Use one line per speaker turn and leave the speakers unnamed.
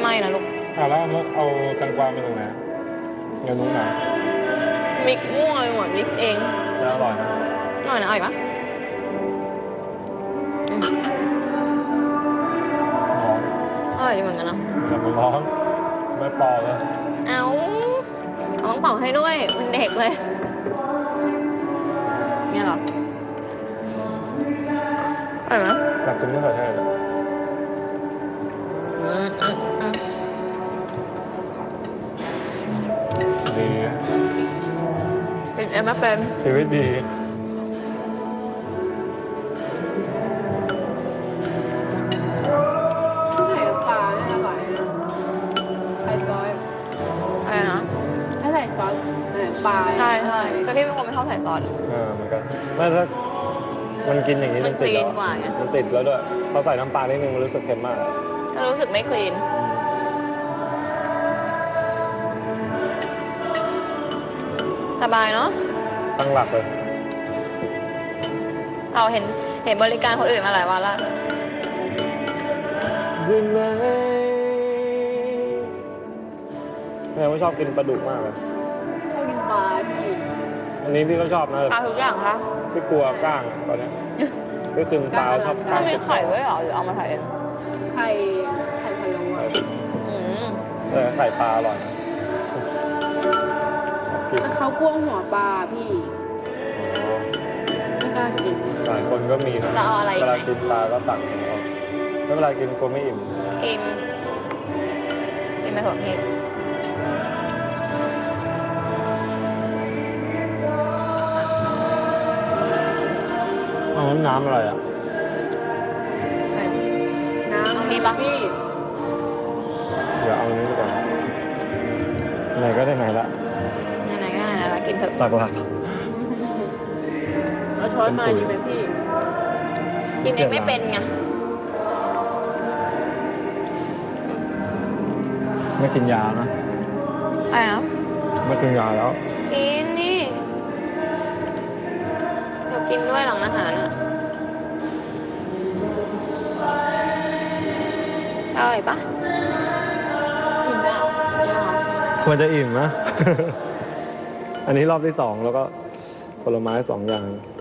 ไม่นะลูก
แล้วเอาแตงกวาไปตรงไหนเงินนู้นนะ
มิกมั่วไปหมดมิกเอง
จะอร่อยนะ
อร่อยนะอร่อยปะ
ร้อน
อร่อยดีเหมือนกันเนาะ
แต่มันร้อนไม่ปอเลย
เอาต้องเป่าให้ด้วยมันเด็กเลยเนี่ยเหรออร่อยไหม
อยากกินไม่ใส่แท้เลย
อืมอืมอืม
ดี
กินเอ็มไม่เป็น
ชีวิตดี
ใส่ปลาเนี่ยอร่อยใส่ซอส
อะไรนะ
ถ้าใส่ซอสปลา
ใช่ใช่แต่พี่เป็นคนไม่ชอบใส่ซอส
เหมือนกันไม่ถ้ามันกินอย่างนี้
มั
มัน นติด
คลี
แล้
น
ว
กว่าไง
มันติดแล้วด้วยพอใส่น้ำปลานิดนึงมันรู้สึกเค็มมาก
ก็รู้สึกไม่คลีนสบายเนาะ
ตั้งหลักเลย
เราเห็นบริการคนอื่นมาหลายวันแล้ว
ดึงไหมแม่ไม่ชอบกินปลาดุกมากเลย
ชอบกินปลาพี่
อันนี้พี่ก็ชอบนะ
ปลาทุกอย่างคะ
พี่กลัวก้างตอนเนี้ยพี่กินปลาชอบ
ต้
ก้า
อง งมีไข่ด้วยเหรอหรือเอามาใส่เอง
ไข่พะโล้อะ
อืม
ไข่ปลาอร่อยนะกิน
แต่เขากลัวหัวปลาพี่ไม่กล้ากิน
หลายคนก็มีนะ
จะเอาอะไร
เว
ไหม
ลากินปลาก็ตักเอาไม่เวลากินกลัวไม่อิ่ม
กินกินไปเถอะพี่
เอาน้ำอะไรอ่ะ
น้ำ
เอามีปะ
พี่
เดี๋ยวเอาอันนี้ดีกว่าไหนก็ได้ไหนละ
ไหนๆก็ไหนๆแล้วกินเถอะ
หลัก
เอาช้อนมาดีไหมพี่
กินเองไม่เป็นไง
ไม่กินยานะ
อะไรนะ
ไม่กินยาแล้ว
กินนี่เดี๋ยวกินด้วยหลังอาหารอ่ะอร่อยปะ
กินแล้ว
ควรจะอิ่มนะ อันนี้รอบที่ 2 แล้วก็ผลไม้2 อย่าง